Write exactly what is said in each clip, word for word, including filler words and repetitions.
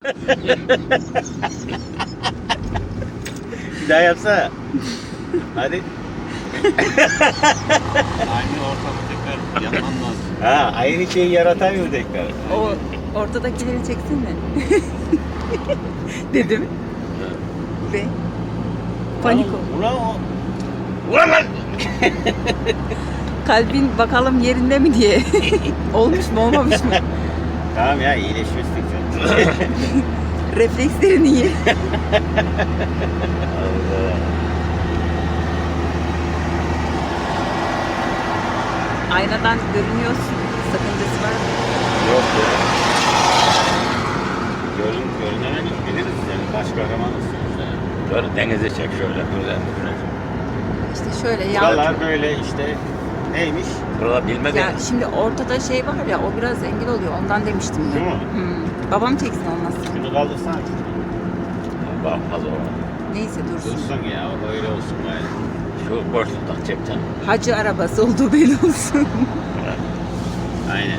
Bir daha yapsana. Hadi. Aynı ortamı tekrar yapman lazım. Ha, aynı şeyi yaratamıyor tekrar. O ortadakileri çeksene. Dedim. Ve panik oldu. Ulan o. Ulan lan! Kalbin bakalım yerinde mi diye. Olmuş mu olmamış mı? Tamam ya, iyileşmiştik sen. Reflekslerin iyi. Allah. Aynadan görünüyorsun. Sakıncası var mı? Yok ya. Görün, görünen biliriz yani. Baş kahramanısınız yani. Böyle denize çek şöyle. Böyle. İşte şöyle ya. Buralar böyle işte neymiş? Burada bilmeden. Ya şimdi ortada şey var ya, o biraz engel oluyor. Ondan demiştim ben. Değil mi? Hmm. Babam çeksin olmazsa. Şunu kaldırsana. Bakmaz o. Neyse dursun. Dursun ya, o öyle olsun bari. Şu boşluktan çekeceksin. Hacı arabası olduğu belli olsun. Aynen.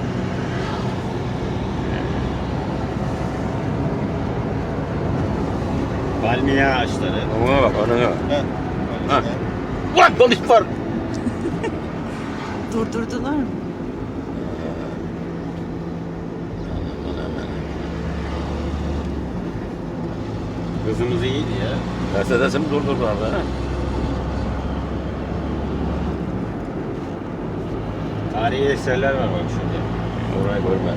Palmiye ağaçları. Ona bak, ona bak. Ha. Ha. Ulan polis var. Durdurdular mı? Kızımız iyiydi ya. Mercedes'imi durdurdular da. Tarihi eserler var bak şurada. Orayı görmez.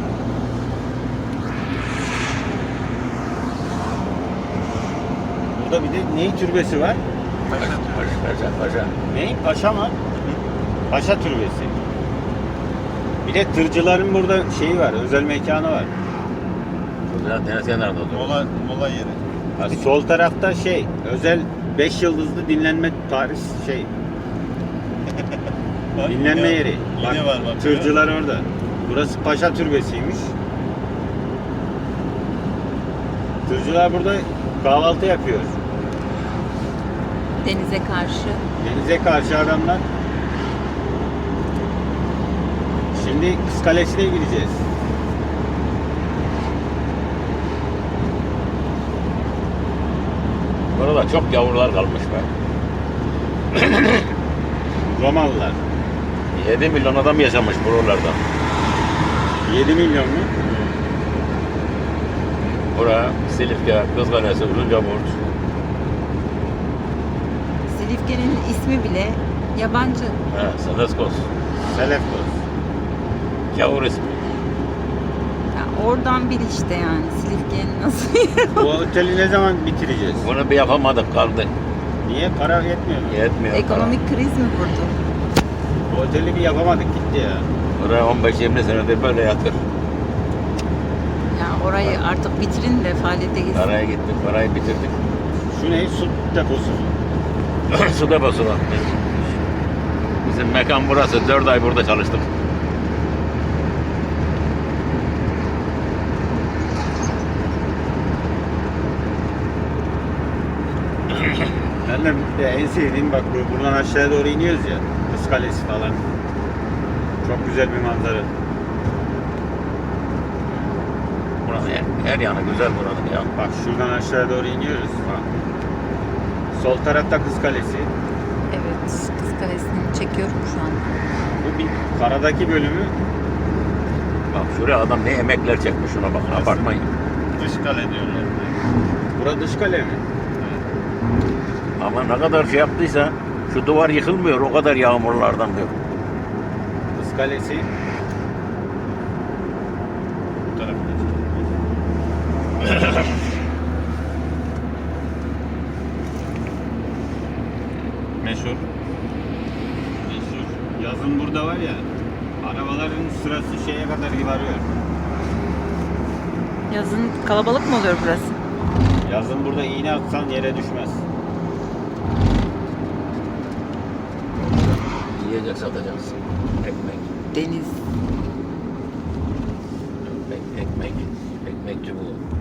Burada bir de ney türbesi var? Paşa, paşa, paşa. Ney? Paşa mı? Paşa türbesi. Bir de tırcıların burada şeyi var, özel mekanı var. Burada deniz kenarında duruyor. Mola, mola yeri. Ha, sol tarafta şey, özel beş yıldızlı dinlenme tarih şey, Bak, dinlenme yine- yeri. Yine Bak, var bak. tırcılar orada. Burası Paşa türbesiymiş. Tırcılar burada kahvaltı yapıyor. Denize karşı. Denize karşı adamlar. Şimdi Kız Kalesi'ne gideceğiz. Burada çok yavrular kalmış be. Romalılar. yedi milyon adam yaşamış buralarda. yedi milyon mu? Bura, Silifke, Kızkalesi, Uzuncaburç. Silifke'nin ismi bile yabancı. He, Seleskos. Selefkos. Gavur ismi. Ya oradan bil işte yani. Silifke'nin nasıl yeri Bu oteli ne zaman bitireceğiz? Bunu bir yapamadık, kaldı. Niye? Para yetmiyor mu? Yetmiyor. Ekonomik kriz mi vurdu? Bu oteli bir yapamadık, gitti ya. Buraya on beş yirmi senedir böyle yatır. Ya orayı artık bitirin de faaliyete geçsin. Paraya gittik, parayı bitirdik. Şu ne? Su deposu mu? Su deposu var. Bizim mekan burası. Dört ay burada çalıştık. Ben de de en sevdiğim bak bu- buradan aşağıya doğru iniyoruz ya. Kız Kalesi falan. Çok güzel bir manzara. Buranın her, her yanı güzel buranın ya. Bak şuradan aşağıya doğru iniyoruz. Bak. Sol tarafta Kız Kalesi. Evet. Kız Kalesi'ni çekiyorum şu an. Bu bir karadaki bölümü. Bak şuraya adam ne emekler çekmiş şuna bak. Apartman. Dış kale diyorlar. Bura dış kale mi? Ama ne kadar şey yaptıysa şu duvar yıkılmıyor o kadar yağmurlardan diyor. Kız Kalesi. Bu tarafta. Meşhur. Meşhur. Yazın burada var ya. Arabaların sırası şeye kadar varıyor. Yazın kalabalık mı oluyor burası? Yazın burada iğne atsan yere düşmez. Yiyecek satacağız. Ekmek. Deniz. Ekmek. Ekmek. Ekmekçi bu.